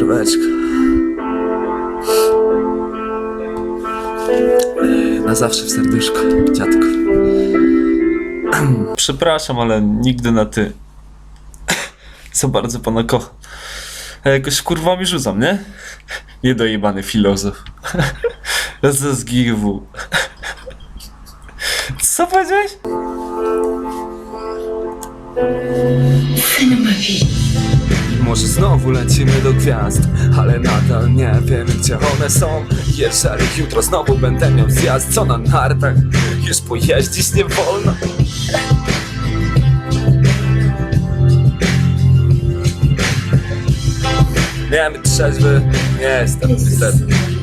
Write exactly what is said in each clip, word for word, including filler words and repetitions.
Beczka. Na zawsze w serduszku, dziadku. Przepraszam, ale nigdy na ty. Co bardzo pana kocham. A jakoś kurwami rzucam, nie? Niedojebany filozof. Z G W. Co powiedziałeś? Może znowu lecimy do gwiazd, ale nadal nie wiemy, gdzie one są. Jeżeli jutro znowu będę miał zjazd, co na nartach już pojeździć nie wolno. Nie być trzeźwy, nie jestem niestety.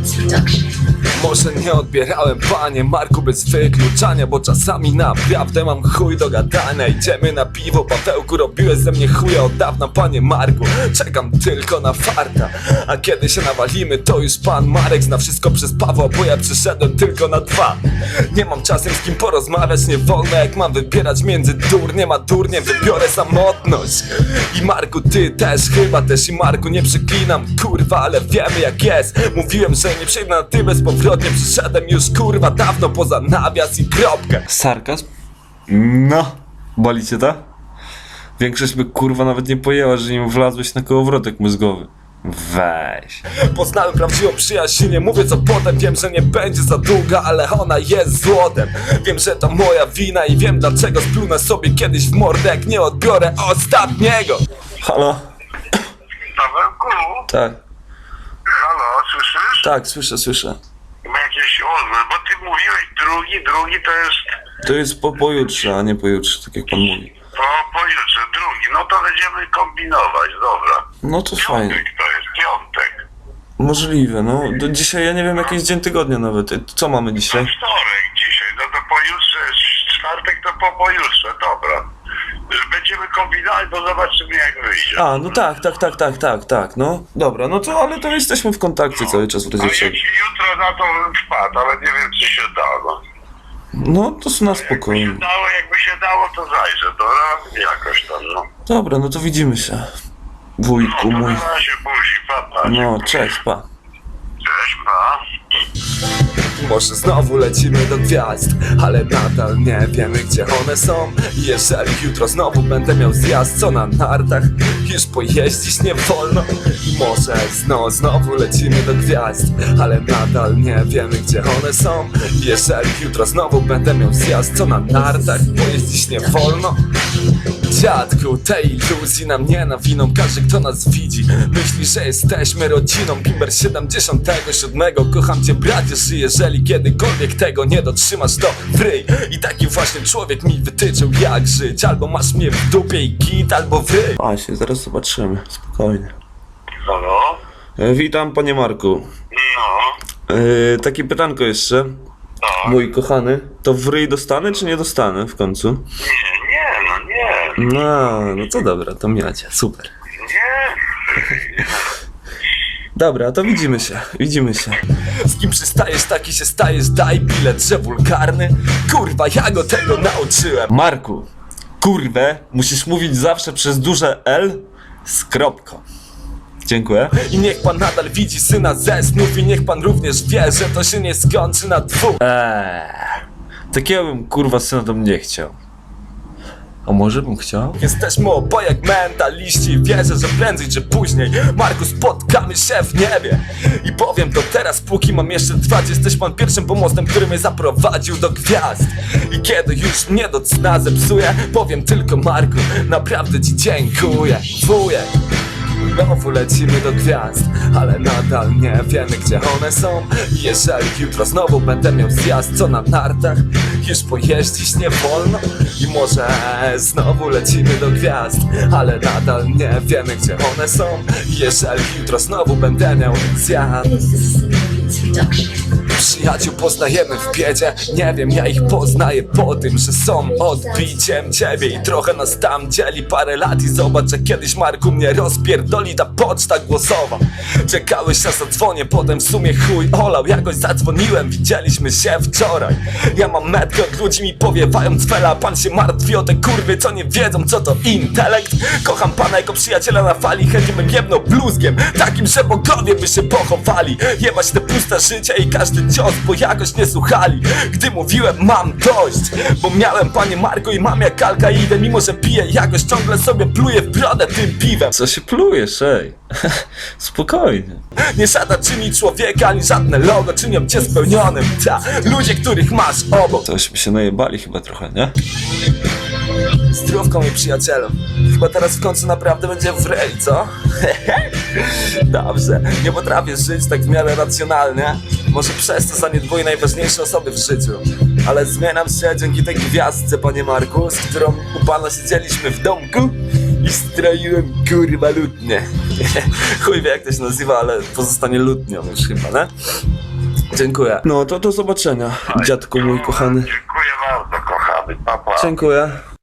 Może nie odbierałem, panie Marku, bez wykluczania, bo czasami naprawdę mam chuj do gadania. Idziemy na piwo, Pawełku, robiłeś ze mnie chuja od dawna, panie Marku. Czekam tylko na farta, a kiedy się nawalimy, to już pan Marek zna wszystko przez Pawła, bo ja przyszedłem tylko na dwa. Nie mam czasem z kim porozmawiać, nie wolno, jak mam wybierać między durniem a durniem, wybiorę samotność. I Marku, ty też chyba też, i Marku, nie przeklinam, kurwa, ale wiemy jak jest. Mówiłem, że nie przejdę na ty bezpowrotnie, przyszedłem już kurwa dawno poza nawias i kropkę. Sarkazm? No. Boli cię ta? Większość by kurwa nawet nie pojęła, że nim wlazłeś na kołowrotek mózgowy. Weź. Poznałem prawdziwą przyjaźń, nie mówię co potem. Wiem, że nie będzie za długa, ale ona jest złotem. Wiem, że to moja wina i wiem dlaczego splunę sobie kiedyś w mordę, jak nie odbiorę ostatniego. Halo? Pawełku? Tak. Halo, słyszysz? Tak, słyszę, słyszę. Ma jakieś odwrót, bo ty mówiłeś drugi, drugi to jest To jest po pojutrze, a nie pojutrze, tak jak pan mówi. po, pojutrze, drugi, no to będziemy kombinować, dobra. No to fajnie. Piątek to jest, piątek. Możliwe, no. Do dzisiaj ja nie wiem, jaki jest dzień tygodnia nawet. Co mamy To dzisiaj? wtorek dzisiaj, no to pojutrze, czwartek to po pojutrze, dobra. Będziemy kombinować, bo zobaczymy jak wyjdzie. A, no tak, tak, tak, tak, tak, tak, no. Dobra, no to, ale to jesteśmy w kontakcie cały czas w A razie jak czego. się jutro na to wpadł, ale nie wiem czy się da, no. No, to na Jakby się spokojnie. dało, jakby się dało, to zajrzę, dobra? Jakoś tam, no. Dobra, no to widzimy się. Wujku No to mój. na razie, buzi, pa, pa. No, cześć, pa. Cześć, pa. Może znowu lecimy do gwiazd, ale nadal nie wiemy, gdzie one są. Jeżeli jutro znowu będę miał zjazd, co na nartach już pojeździć nie wolno. I może znowu, znowu lecimy do gwiazd, ale nadal nie wiemy, gdzie one są. Jeżeli jutro znowu będę miał zjazd, co na nartach pojeździć nie wolno. Dziadku, tej iluzji nam nie nawiną każdy, kto nas widzi. Myśli, że jesteśmy rodziną. Bimber siedemdziesiątego siódmego. Kocham cię, bracie, że jeżeli kiedykolwiek tego nie dotrzymasz, to wryj. I taki właśnie człowiek mi wytyczył, jak żyć. Albo masz mnie w dupie i git, albo wryj. A się, zaraz zobaczymy, spokojnie. Halo? E, witam, panie Marku. No, E, takie pytanko jeszcze. tak. Mój kochany, to w ryj dostanę, czy nie dostanę w końcu? Nie, nie, no nie, No, no to dobra, to miacie, super. nie. Dobra, to widzimy się, widzimy się. Z kim przystajesz, taki się stajesz. Daj bilet, że wulgarny. Kurwa, ja go tego nauczyłem. Marku, kurwę, musisz mówić zawsze przez duże L z kropką. Dziękuję. I niech pan nadal widzi syna ze snów. I niech pan również wie, że to się nie skończy na dwóch. Eee, takiego bym kurwa syna to nie chciał. A może bym chciał? Jesteśmy oboje jak mentaliści. Wierzę, że prędzej czy później, Marku, spotkamy się w niebie. I powiem to teraz, póki mam jeszcze trwać. Jesteś pan pierwszym pomostem, który mnie zaprowadził do gwiazd. I kiedy już mnie do cna zepsuje, powiem tylko, Marku, naprawdę ci dziękuję. Wujek. Znowu lecimy do gwiazd, ale nadal nie wiemy, gdzie one są. Jeżeli jutro znowu będę miał zjazd, co na nartach już pojeździć nie wolno. I może znowu lecimy do gwiazd, ale nadal nie wiemy, gdzie one są. Jeżeli jutro znowu będę miał zjazd. This is a Reduction. Przyjaciół poznajemy w biedzie. Nie wiem, ja ich poznaję po tym, że są odbiciem ciebie. I trochę nas tam dzieli parę lat. I zobacz, że kiedyś Marku mnie rozpierdoli ta poczta głosowa. Czekałeś na zadzwonię, potem w sumie chuj olał. Jakoś zadzwoniłem, widzieliśmy się wczoraj. Ja mam metkę, od ludzi mi powiewają cwela. Pan się martwi o te kurwy, co nie wiedzą, co to intelekt. Kocham pana jako przyjaciela na fali. Chętnie bym jebnął bluzgiem, takim, że bogowie by się pochowali. Jebać te puste życie i każdy cios, bo jakoś nie słuchali. Gdy mówiłem, mam dość, bo miałem, panie Marku, i mam jak alkaidę. Mimo że piję, jakoś ciągle sobie pluję w brodę tym piwem. Co się plujesz, ej? Spokojnie. Nie szata czyni człowieka, ani żadne logo czynią cię spełnionym. Ta, ludzie, których masz obok. Tośmy się najebali chyba trochę, nie? Zdrówką i przyjacielem. Chyba teraz w końcu naprawdę będzie w rej, co? Dobrze, nie potrafię żyć tak w miarę racjonalnie. Może przez to zaniedbuję najważniejsze osoby w życiu. Ale zmieniam się dzięki tej gwiazdce, panie Marku, z którą u pana siedzieliśmy w domku i stroiłem kurwa lutnię. Chuj wie jak to się nazywa, ale pozostanie lutnią już chyba, nie? Dziękuję. No to do zobaczenia, dziadku mój kochany. Dziękuję bardzo, kochany. Pa, pa. Dziękuję.